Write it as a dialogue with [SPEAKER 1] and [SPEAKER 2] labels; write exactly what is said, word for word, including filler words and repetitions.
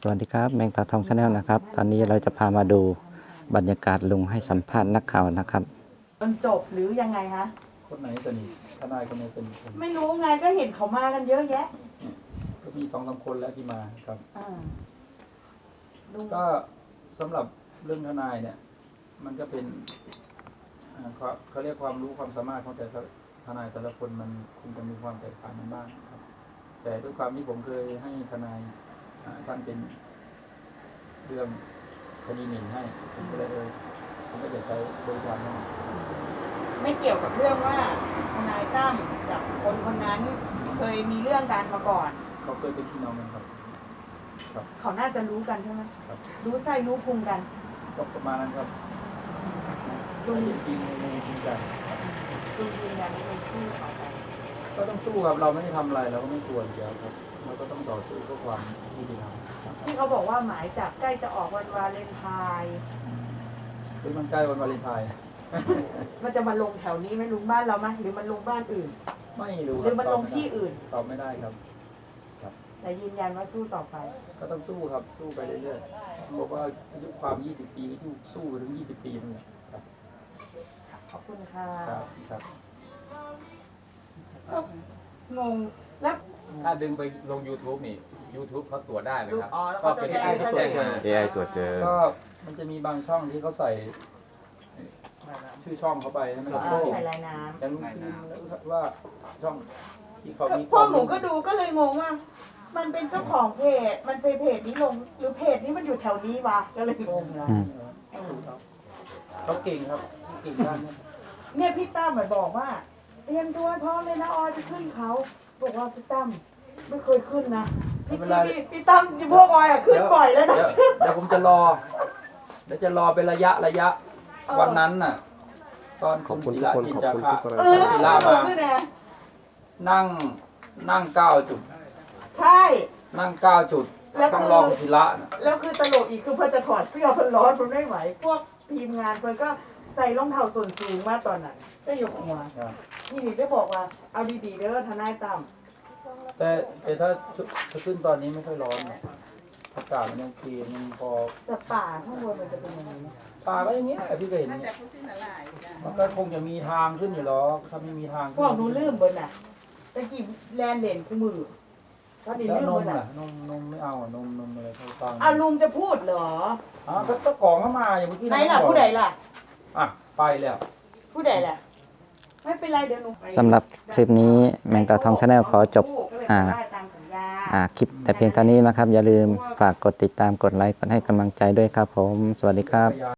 [SPEAKER 1] สวัสดีครับแมงตาทองชาแนลนะครับตอนนี้เราจะพามาดูบรรยากาศลุงให้สัมภาษณ์นักข่าวนะครับ
[SPEAKER 2] จนจบหรือยังไงคะ
[SPEAKER 3] คนไหนสนิททนายคนไหนสนิทกัน
[SPEAKER 2] ไม่รู้ไงก็เห็นเขามากันเยอะแยะ
[SPEAKER 3] ก็มีสองสามคนแล้วที่มาครับ
[SPEAKER 2] อ่า
[SPEAKER 3] ก็สำหรับเรื่องทนายเนี่ย มันก็เป็นเขาเขาเรียกความรู้ความสามารถของแต่ละทนายแต่ละคนมันคงจะมีความแตกต่างกันบ้างครับ แต่ด้วยความที่ผมเคยให้ทนายท่านเป็นเรื่องคดีหมิ่นให้ผมก็เลยเออผมก็จะใช้บริการนั้น
[SPEAKER 2] ไม่เกี่ยวกับเรื่องว่าทนายตั้มกับคนคนนั้นเคยมีเรื่องกันมาก่อน
[SPEAKER 3] เขาเคยเป็นพี่น้องกันครับครับ
[SPEAKER 2] เขาน่าจะรู้กันใช่ไหม
[SPEAKER 3] ครับ
[SPEAKER 2] รู้ใจรู้พุงกัน
[SPEAKER 3] ก็ประมาณนั้นครับลุงจริงในจริงจัง
[SPEAKER 2] ลุงยืนยันในชื่อเขาไป
[SPEAKER 3] ก็ต้องสู้ครับเราไม่ได้ทำอะไรเราก็ไม่กลัวอยู่แล้วครับเราก็ต้องต่อสู้เพื่อความยุติธรรม
[SPEAKER 2] ที่เขาบอกว่าหมายจับใกล้จะออกวันวาเลนไทน์
[SPEAKER 3] หรือมันใกล้วันวาเลนไทน์
[SPEAKER 2] มันจะมาลงแถวนี้ไหมลุงบ้านเราไหมหรือมันลงบ้านอื่น
[SPEAKER 3] ไม่รู้
[SPEAKER 2] หรือมันลงที่อื่น
[SPEAKER 3] ตอบไม่ได้ครับ
[SPEAKER 2] ครับแต่ยืนยันว่าสู้ต่อไป
[SPEAKER 3] ก็ต้องสู้ครับสู้ไปเรื่อยๆบอกว่าอายุความยี่สิบปีก็สู้ไปถึงยี่สิบปีนั่นแหละครับ
[SPEAKER 2] ขอบคุณค่ะ
[SPEAKER 3] ครับครับ
[SPEAKER 2] งงแล้ว
[SPEAKER 4] ถ้าดึงไปลง YouTube นี่ YouTube เขาตรวจได้ไหมครับ
[SPEAKER 2] ก็
[SPEAKER 4] เป็น
[SPEAKER 2] เอ
[SPEAKER 4] เอ
[SPEAKER 2] ไอ
[SPEAKER 4] ไอตรวจเจอ
[SPEAKER 1] เอ ไอ ตรวจเจอ
[SPEAKER 3] ก็มันจะมีบางช่องที่เขาใส่ชื่อช่องเขาไปใช่ไหมครับ
[SPEAKER 2] ใส่ลายน้ำ
[SPEAKER 3] แต่ลุงคิมว่าช่องที่เขามี
[SPEAKER 2] พ่อหนูก็ดูก็เลยงงว่า มันเป็นเจ้าของเพจมันเป็นเพจนี้ลงหรือเพจนี้มันอยู่แถวนี้วะก็เลยงงนะ
[SPEAKER 3] เขาเก่งครับเก่งด้านนี้
[SPEAKER 2] เนี่ยพี่ตั้มเหมือนบอกว่าเตรียมตัวพร้อมเลยนะออยจะขึ้นเขาบอกว่าพี่ตั้มไม่เคยขึ้นนะพี่พี่พี่ตั้มพวกออยอะขึ้นบ่อยแล้วนะ
[SPEAKER 3] เดี๋ยวผมจะรอเดี๋ยวจะรอเป็นระยะระยะวันนั้นน่ะตอนคุณศิลาจินจาคะ
[SPEAKER 2] ศิลามา
[SPEAKER 3] นั่งนั่งเก้าจุด
[SPEAKER 2] ใช่
[SPEAKER 3] นั่งเก้าจุดต้องรอคุณศิลา
[SPEAKER 2] แล้วคือตลกอีกคือเพื่อจะถอดเสื้อเพื่อร้อนมันไม่ไหวพวกทีมงานเพื่อก็ใส่รองเท้าส่วนสูงมาตอนนั้นก็ยกหัวที่นี่ได้บอกว่าเอาดีๆเด้อทนายตั้ม
[SPEAKER 3] แต่แต่ถ้าถ้าขึ้นตอนนี้ไม่ค่อยร้อนอากาศมันยังเคลียร์มันพอ
[SPEAKER 2] แต่ป่าข้างบนมันจะเป็นยังไง
[SPEAKER 3] ป่าก็อย่างเงี้ยพี่ก็เห็นมันก็คงจะมีทางขึ้นอยู่หรอกถ้าไม่มีทาง
[SPEAKER 2] พวกหนูลืมบนน่ะตะกี้แลนเด่นคู่มือ
[SPEAKER 3] ก็ดีลืมบนน่ะนมนมไม่เอานมนมอะไรเขาฟัง
[SPEAKER 2] อ่ะลุงจะพูดเหรอ
[SPEAKER 3] อ๋อก็เจ้าของเข้ามาอย่างเมื่อกี้
[SPEAKER 2] ไหนล่ะผู้ใดล่ะ
[SPEAKER 3] อ่ะไปแล้ว
[SPEAKER 2] ผู้ใดล่ะไม่เป็นไรเดี๋ยวหนู
[SPEAKER 1] สำหรับคลิปนี้แมงตาทองชาแนลขอจบอ่าอ่าคลิปแต่เพียงเท่านี้นะครับอย่าลืมฝากกดติดตามกดไลค์กดให้กำลังใจด้วยครับผมสวัสดีครับ